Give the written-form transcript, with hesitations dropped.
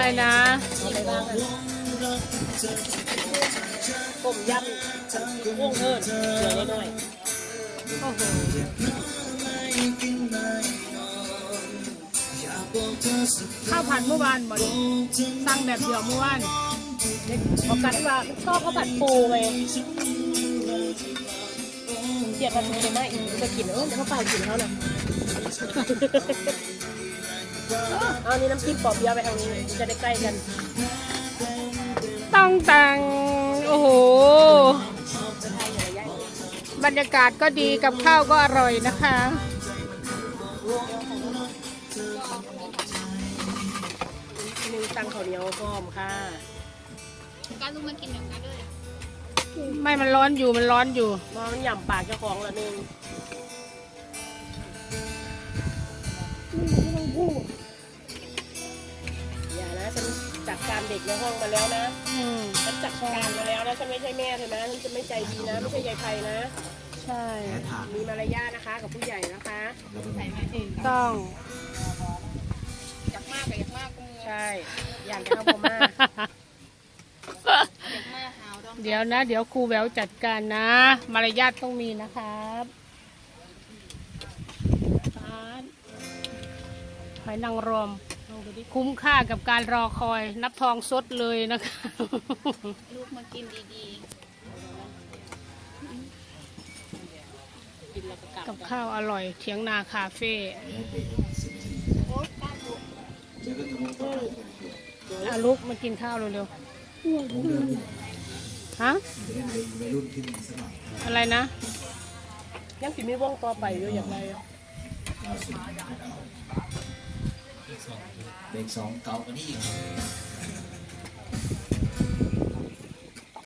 นะอะไรบ้างอ่ะต้มยำกุ้งเอิญเดี๋ยวน้อยโอ้โหข้าวผัดเมื่อวานบ่ดิสั่งแบบเดียวเมื่อวานพอกันว่าชอบข้าวผัดปูไงเจียดปลาทูได้ไหมอีกจะกินเดี๋ยวเขาเปล่ากินเขาน่ะเอานี่น้ำจิ้มปอบเบียร์ไปทางนี้จะได้ใกล้กันต้องตังโอ้โหบรรยากาศก็ดีกับข้าวก็อร่อยนะคะนึงตังข้าวเหนียวพร้อมค่ะการลุงมากินอย่างนั้นเลยไม่มันร้อนอยู่มันร้อนอยู่มองหย่ำปากเจ้าของละนึงอย่านะฉันจัดการเด็กในห้องมาแล้วนะฉันจัดการมาแล้วนะฉันไม่ใช่แม่เธอนะฉันจะไม่ใจดีนะไม่ใช่ยายไพนะใช่มีมารยาทนะคะกับผู้ใหญ่นะคะใส่แม่เองต้องอยากมากกับอยากมากกูใช่อย่างจะเข้าพม่าอยากมากหาวดองเดี๋ยวนะ เดี๋ยวครูแววจัดการนะ มารยาทต้องมีนะครับหอยนางรมคุ้มค่ากับการรอคอยนับทองสดเลยนะคะลูกมากินดีกินแล้วก็กลับกับข้าวอร่อยเถียงนาคาเฟ่ๆโอ๊ยป้าลูกอาลุกมากินข้าวเร็วๆฮะอะไรนะยังสิมีวงต่อไปอยู่อย่างไรเด็กสองเก่ากว่านี้อีก